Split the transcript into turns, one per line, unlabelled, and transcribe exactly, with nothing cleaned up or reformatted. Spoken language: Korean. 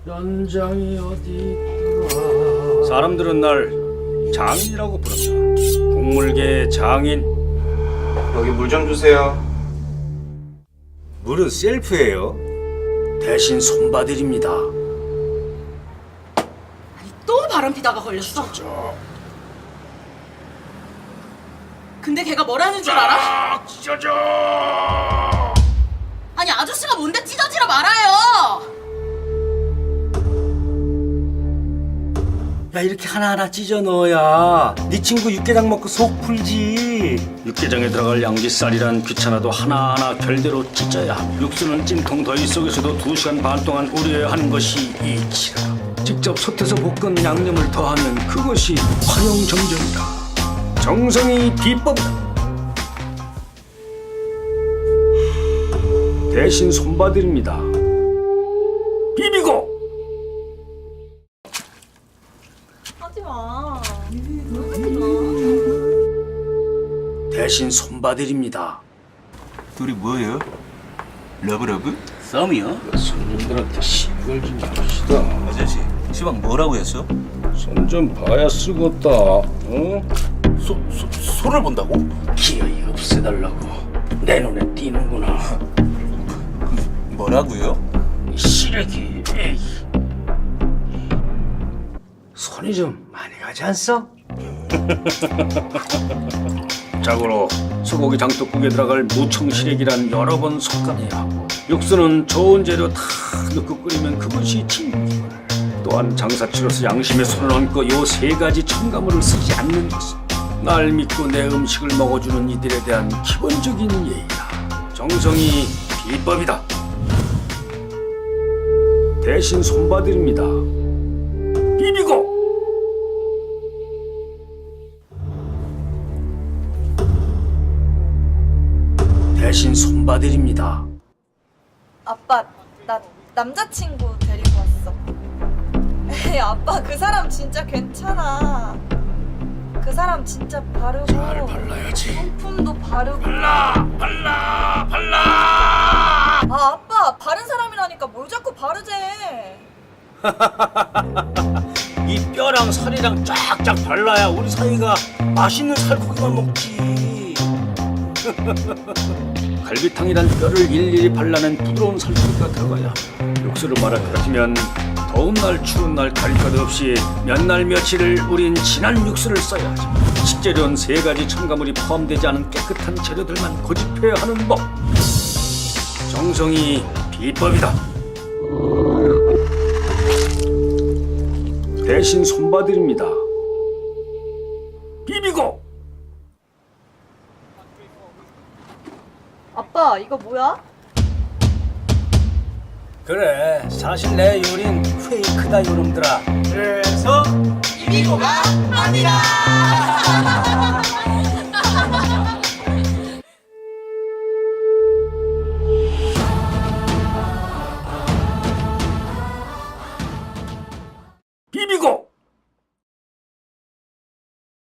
연장이 어디 있더라. 사람들은 날 장인이라고 부른다. 국물계의 장인.
여기 물 좀 주세요.
물은 셀프예요. 대신 손봐드립니다.
또 바람 피다가 걸렸어. 근데 걔가 뭐라는 줄 알아?
찢어져.
아니 아저씨가 뭔데 찢어지라 말아요.
야, 이렇게 하나하나 찢어 넣어야 네 친구 육개장 먹고 속 풀지. 육개장에 들어갈 양지살이란 귀찮아도 하나하나 결대로 찢어야 육수는 찜통 더위 속에서도 두 시간 반 동안 우려야 하는 것이 이치라. 직접 솥에서 볶은 양념을 더하면 그것이 활용정정이다. 정성이 비법이다. 대신 손봐드립니다. 비비고.
하지마.
대신 손봐드립니다.
둘이 뭐예요? 러브러브?
썸이요? 손님들한테 시비걸 좀 맙시다.
아저씨, 시방 뭐라고 했어?
손 좀 봐야 쓰겄다. 어?
소, 소, 소를 본다고?
기어이 없애달라고. 내 눈에 띄는구나.
뭐라고요?
이 시래기. 에이. 손이 좀 많이 가지 않소? 자고로 소고기 장독국에 들어갈 무청시래기란 여러 번 솎아내야 하고, 육수는 좋은 재료 다 넣고 끓이면 그것이 진물. 또한 장사치로서 양심에 손을 얹고 요 세 가지 첨가물을 쓰지 않는 것이 날 믿고 내 음식을 먹어주는 이들에 대한 기본적인 예의다. 정성이 비법이다. 대신 손봐드립니다. 비비고. 대신 손봐드립니다.
아빠, 나 남자친구 데리고 왔어. 에이, 아빠 그 사람 진짜 괜찮아. 그 사람 진짜 바르고
잘 발라야지.
성품도 바르고.
발라 발라 발라.
아 아빠 바른 사람이라니까 뭘 자꾸 바르재.
이 뼈랑 살이랑 쫙쫙 발라야 우리 사이가 맛있는 살코기만 먹지. 갈비탕이란 뼈를 일일이 발라낸 부드러운 살코기가 들어가야 육수를 말아 펴지면 더운 날 추운 날 가릴 것 없이 몇 날 며칠을 우린 진한 육수를 써야 하지. 식재료는 세 가지 첨가물이 포함되지 않은 깨끗한 재료들만 고집해야 하는 법. 정성이 비법이다. 대신 손봐드립니다. 비비고.
아빠 이거 뭐야?
그래, 사실 내 요린 페이크다 요놈들아. 그래서
비비고가 아니라.